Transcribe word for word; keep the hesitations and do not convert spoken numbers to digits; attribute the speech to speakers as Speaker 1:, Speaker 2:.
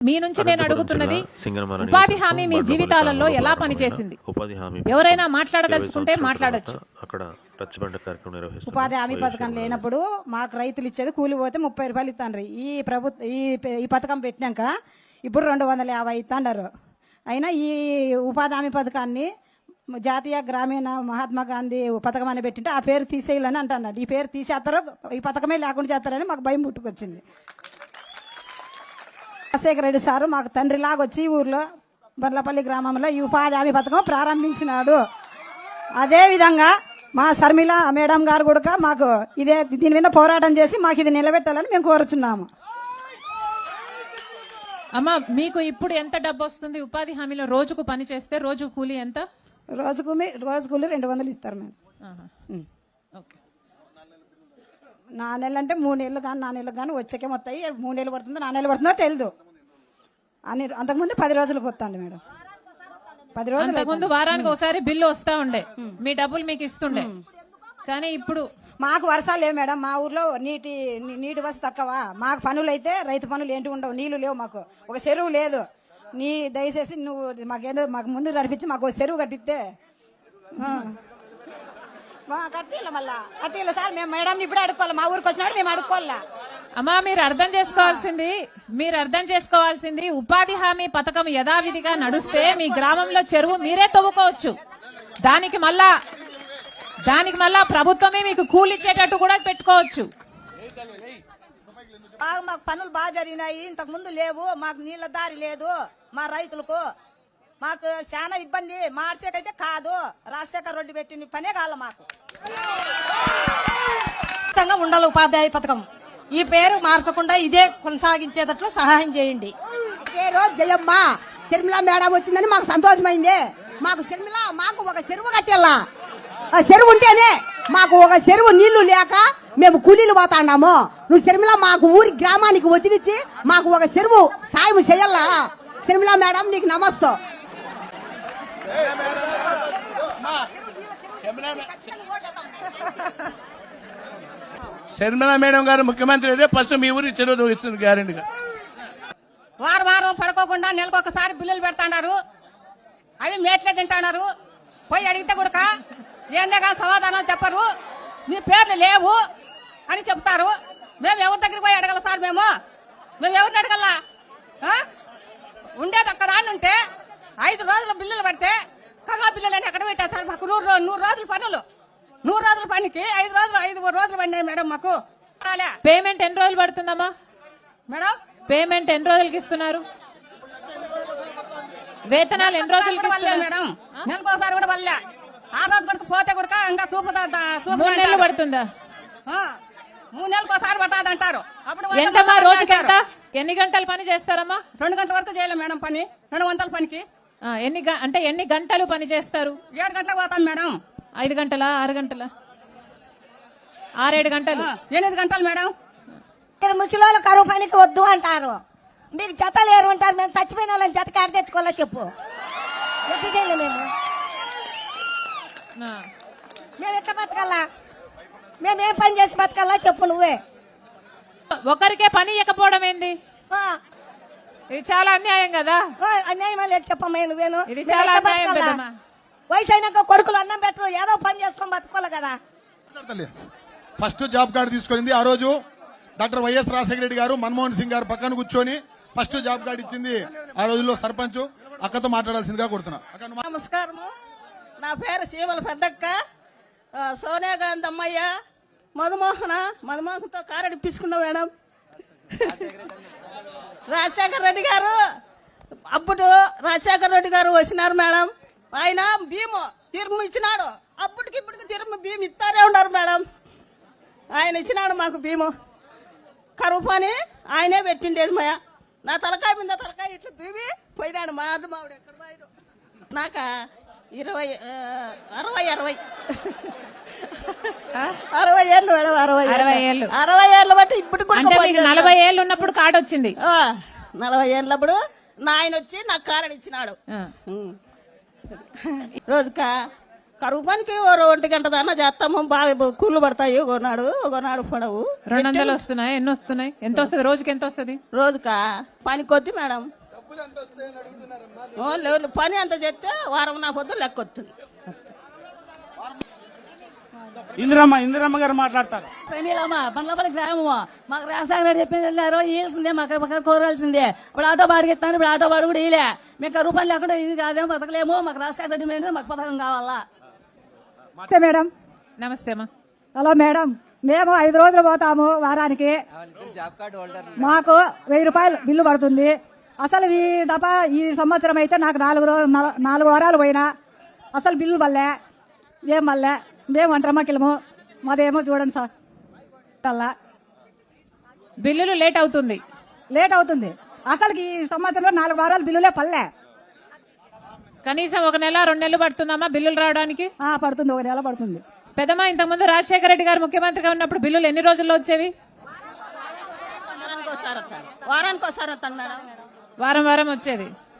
Speaker 1: మీ నుంచి నేను అడుగుతున్నది ఉపాధి హామీ మీ జీవితాలలో ఎలా పనిచేసింది? ఎవరైనా మాట్లాడదలుచుకుంటే మాట్లాడొచ్చు.
Speaker 2: ఉపాధి హామీ పథకం లేనప్పుడు మాకు రైతులు ఇచ్చేది కూలి పోతే ముప్పై రూపాయలు ఇస్తాండ్రు. ఈ ప్రభుత్వ ఈ ఈ పథకం పెట్టినాక ఇప్పుడు రెండు వందల యాభై ఇస్తాండారు. అయినా ఈ ఉపాధి హామీ పథకాన్ని జాతీయ గ్రామీణ మహాత్మా గాంధీ పథకం అని పెట్టింటే ఆ పేరు తీసేయాలని అంటున్నాడు. ఈ పేరు తీసేస్తారో ఈ పథకమే లేకుండా చేస్తారని మాకు భయం పుట్టుకొచ్చింది. రాజశేఖర రెడ్డి సారు మాకు తండ్రిలాగా వచ్చి ఊర్లో బర్లపల్లి గ్రామంలో ఈ ఉపాధి హామీ పథకం ప్రారంభించినాడు. అదేవిధంగా మా శర్మిల మేడం గారు కూడా మాకు ఇదే దీని మీద పోరాటం చేసి మాకు ఇది నిలబెట్టాలని మేము కోరుచున్నాము.
Speaker 1: అమ్మా, మీకు ఇప్పుడు ఎంత డబ్బు వస్తుంది ఉపాధి హామీలో? రోజుకు పని చేస్తే రోజు కూలీ ఎంత?
Speaker 2: రోజుకు రోజు కూలీ రెండు వందలు ఇస్తారు మేడం. నా నెలలు అంటే మూడు నెలలు కానీ నా నెలలు కానీ వచ్చాకే మొత్తాయి. మూడు నెలలు పడుతుందో నా నెలలు పడుతుందో తెలియదు. అని అంతకుముందు పది రోజులకు వస్తాండి మేడం. పది రోజులు
Speaker 1: అంతకుముందు వారానికి ఒకసారి బిల్లు వస్తా ఉండే, మీ డబ్బులు మీకు ఇస్తుండే. కానీ ఇప్పుడు
Speaker 2: మాకు వర్షాలు లేవు మేడం. మా ఊర్లో నీటి నీటి వసతి తక్కువ. మాకు పనులు అయితే రైతు పనులు ఏంటి ఉండవు. నీళ్లు లేవు, మాకు ఒక చెరువు లేదు. నీ దయచేసి నువ్వు మాకేందో మాకు ముందు నడిపించి మాకు ఒక చెరువు కట్టిస్తే కట్టిల మళ్ళా కట్టిల సార్. మేము మేడం ఇప్పుడే అడుక్కోవాలి. మా ఊరికి వచ్చినాడు మేము అడుక్కోవాలా.
Speaker 1: అమ్మా, మీరు అర్థం చేసుకోవాల్సింది మీరు అర్థం చేసుకోవాల్సింది ఉపాధి హామీ పథకం యథావిధిగా నడుస్తే మీ గ్రామంలో చెరువు మీరే తవ్వుకోవచ్చు. దానికి మళ్ళా దానికి మళ్ళా ప్రభుత్వమే మీకు కూలిచ్చేటట్టు కూడా పెట్టుకోవచ్చు.
Speaker 3: మాకు పనులు బాగా జరిగినాయి. ఇంతకు ముందు లేవు. మాకు నీళ్ల దారి లేదు. మా రైతులకు మాకు చాలా ఇబ్బంది. మార్చేకైతే కాదు. రాజశేఖర రెడ్డి పెట్టిన పనే కాదు. మాకు
Speaker 4: ఉండాలి ఉపాధ్యాయ పథకం. ఈ పేరు మార్చకుండా ఇదే కొనసాగించేటట్లు సహాయం చేయండి.
Speaker 3: పేరు జయమ్మ. శర్మిల మేడం వచ్చిందని మాకు సంతోషమైంది. మాకు శర్మిల మాకు ఒక చెరువు కట్టేలా. ఆ చెరువు ఉంటేనే మాకు ఒక చెరువు నీళ్లు లేక మేము కూలీలు పోతాన్నాము. నువ్వు శర్మిల మాకు ఊరి గ్రామానికి వచ్చినిచ్చి మాకు ఒక చెరువు సాయం చేయాలా. శర్మిల మేడం నీకు నమస్తే.
Speaker 5: శర్మిల మేడం గారు ముఖ్యమంత్రి అయితే ఫస్ట్ మీ ఊరికి చెరువు ఇస్తుంది గ్యారెంటీగా.
Speaker 4: వారం వారం పడుకోకుండా నెలకొకసారి బిల్లులు పెడతాడారు. అవి మేట్లే తింటున్నారు. పోయి అడిగితే కూడా ఏందే కానీ సమాధానం చెప్పరు. మీ పేర్లు లేవు అని చెప్తారు. మేము ఎవరి దగ్గరికి పోయి అడగల సార్? మేము మేము ఎవరిని అడగల్లా? ఉండేది ఒక్క దాన్ని ఉంటే ఐదు రోజుల బిల్లులు పడితే కగా బిల్లులు అని ఎక్కడ పెట్టారు సార్? మాకు నూరు నూరు రోజుల పనులు నూరు రోజుల పనికి ఐదు రోజులు ఐదు రోజులు పడినాయి మేడం. మాకు
Speaker 1: పేమెంట్ ఎన్ని రోజులు పడుతుందమ్మా
Speaker 4: మేడం?
Speaker 1: పేమెంట్ ఎన్ని రోజులకి ఇస్తున్నారు? వేతనాలు ఎన్ని రోజులకి
Speaker 4: మేడం? నెలకోసారి కూడా వల్లే. ఆ రోజు పడుకు పోతే కూడా ఇంకా చూపు
Speaker 1: మూడు నెలలు పడుతుందా?
Speaker 4: మూడు నెలలకు ఒకసారి పడుతుంది అంటారు. అప్పుడు
Speaker 1: ఎంతమ్మా రోజుకి ఎంత? ఎన్ని గంటలు పని చేస్తారమ్మా?
Speaker 4: రెండు గంటల వరకు చేయలేం మేడం పని. రెండు వందల పనికి
Speaker 1: ఎన్ని అంటే ఎన్ని గంటలు పని చేస్తారు?
Speaker 4: ఏడు గంటలకు పోతాం మేడం.
Speaker 1: ఐదు గంటలా ఆరు గంటలా? ఆరేడు గంటలు.
Speaker 4: ఎనిమిది గంటలు మేడం.
Speaker 3: మీరు ముసలి కరువు పనికి వద్దు అంటారు. మీకు జత లేరు అంటారు. మేము చచ్చిపోయిన వాళ్ళని జత కాడ తెచ్చుకోవాలా చెప్పు? ఎట్లా చేయలే మేము? మేము ఎట్లా బతకాలా? మేమేం పని చేసి బతకాలా చెప్పు నువ్వే.
Speaker 1: ఒకరికే పని ఇవ్వకపోవడం ఏంది? ఇది చాలా అన్యాయం కదా.
Speaker 3: అన్యాయం లేదు చెప్పమ్మా నువ్వేను.
Speaker 1: ఇది చాలా అన్యాయం కదమ్మా.
Speaker 3: వయసు అయినాక కొడుకులు అన్నం పెట్టరు. ఏదో పని చేసుకొని బతుకోవాలి కదా.
Speaker 6: ఫస్ట్ జాబ్ కార్డు తీసుకునింది ఆ రోజు డాక్టర్ వైఎస్ రాజశేఖర రెడ్డి గారు మన్మోహన్ సింగ్ గారు పక్కన కూర్చొని ఫస్ట్ జాబ్ కార్డు ఇచ్చింది ఆ రోజుల్లో సర్పంచ్. అక్కతో మాట్లాడాల్సిందిగా కోరుతున్నా.
Speaker 4: నమస్కారము. నా పేరు సీమల పెద్దక్క. సోనియా గాంధీ అమ్మయ్య మధుమోహన మధుమోహన్తో కారు ఇప్పించుకున్నా మేడం. రాజశేఖర రెడ్డి గారు అప్పుడు రాజశేఖర రెడ్డి గారు వచ్చినారు మేడం. ఆయన భీము తీర్ము ఇచ్చినాడు. అప్పటికి ఇప్పటికి తీర్ము భీము ఇస్తారే ఉన్నారు మేడం. ఆయన ఇచ్చినాడు మాకు భీము. కరువు పని ఆయనే పెట్టిండేది మయ. నా తలకాయ మీద తలకాయ ఇట్లా దూవి పోయినాడు. మా అడ్డు మావిడ ఎక్కడ పోయాడు. నాక ఇరవై అరవై అరవై అరవై ఏళ్ళు మేడం. అరవై
Speaker 1: అరవై ఏళ్ళు
Speaker 4: అరవై ఏళ్ళు బట్టి ఇప్పుడు కూడా
Speaker 1: నలభై ఏళ్ళు ఉన్నప్పుడు కార్డు వచ్చింది.
Speaker 4: నలభై ఏళ్ళప్పుడు నా ఆయన వచ్చి నాకు కారడు ఇచ్చినాడు. రోజుక కరువు పనికి ఓ ఒంటి గంట దాకా చేస్తాము బాగా కూలు పడతాయి ఒకనాడు ఒకనాడు పడవు
Speaker 1: రెండు వందలు వస్తున్నాయి ఎన్ని వస్తున్నాయి ఎంత వస్తుంది రోజుకి ఎంత వస్తుంది
Speaker 4: రోజుకా పని కొద్ది మేడం ఓ, లేదు పని అంత చెప్తే వారం నా పొద్దు లెక్క వస్తుంది.
Speaker 7: ఇందిరమ్మ ఇందిరమ్మ గారు మాట్లాడతారు.
Speaker 8: ప్రమీలమ్మ బండ్లపల్లి గ్రామము మాకు రాజశేఖర రెడ్డి చెప్పింది వెళ్ళారు ఇవ్వాల్సిందే మాకు మాకు కోరాల్సిందే. ఇప్పుడు ఆటో బాడికి ఇస్తాను, ఇప్పుడు ఆటో బాడు కూడా ఇలే. మీకు రూపాయలు లేకుండా ఇది కాదేమో బతకలేము, మాకు రాజశేఖర రెడ్డి మీద మాకు పథకం కావాలా.
Speaker 2: నమస్తే మేడం.
Speaker 1: నమస్తే అమ్మా.
Speaker 2: హలో మేడం, మేము ఐదు రోజులు పోతాము వారానికి, మాకు వెయ్యి రూపాయలు బిల్లు పడుతుంది. అసలు ఈ దఫ ఈ సంవత్సరం అయితే నాకు నాలుగు రోజు నాలుగు వారాలు పోయినా అసలు బిల్లు వల్లే ఏం వల్లే. మేము ఒంటరమ్మకిలము, మాదేమో చూడండి సార్, అలా
Speaker 1: బిల్లులు లేట్ అవుతుంది.
Speaker 2: లేట్ అవుతుంది. అసలు ఈ సంవత్సరంలో నాలుగు వారాలు బిల్లులే పల్లె.
Speaker 1: కనీసం ఒక నెల రెండు నెలలు పడుతుందమ్మా బిల్లులు రావడానికి.
Speaker 2: ఆ, పడుతుంది, ఒక నెల పడుతుంది.
Speaker 1: పెద్దమ్మ, ఇంతకుముందు రాజశేఖర రెడ్డి గారు ముఖ్యమంత్రిగా ఉన్నప్పుడు బిల్లులు ఎన్ని రోజుల్లో వచ్చేవి?
Speaker 4: వారానికి ఒకసారి వస్తాను వారానికి ఒకసారి వస్తాను మేడం.
Speaker 1: వారం వారం వచ్చేది.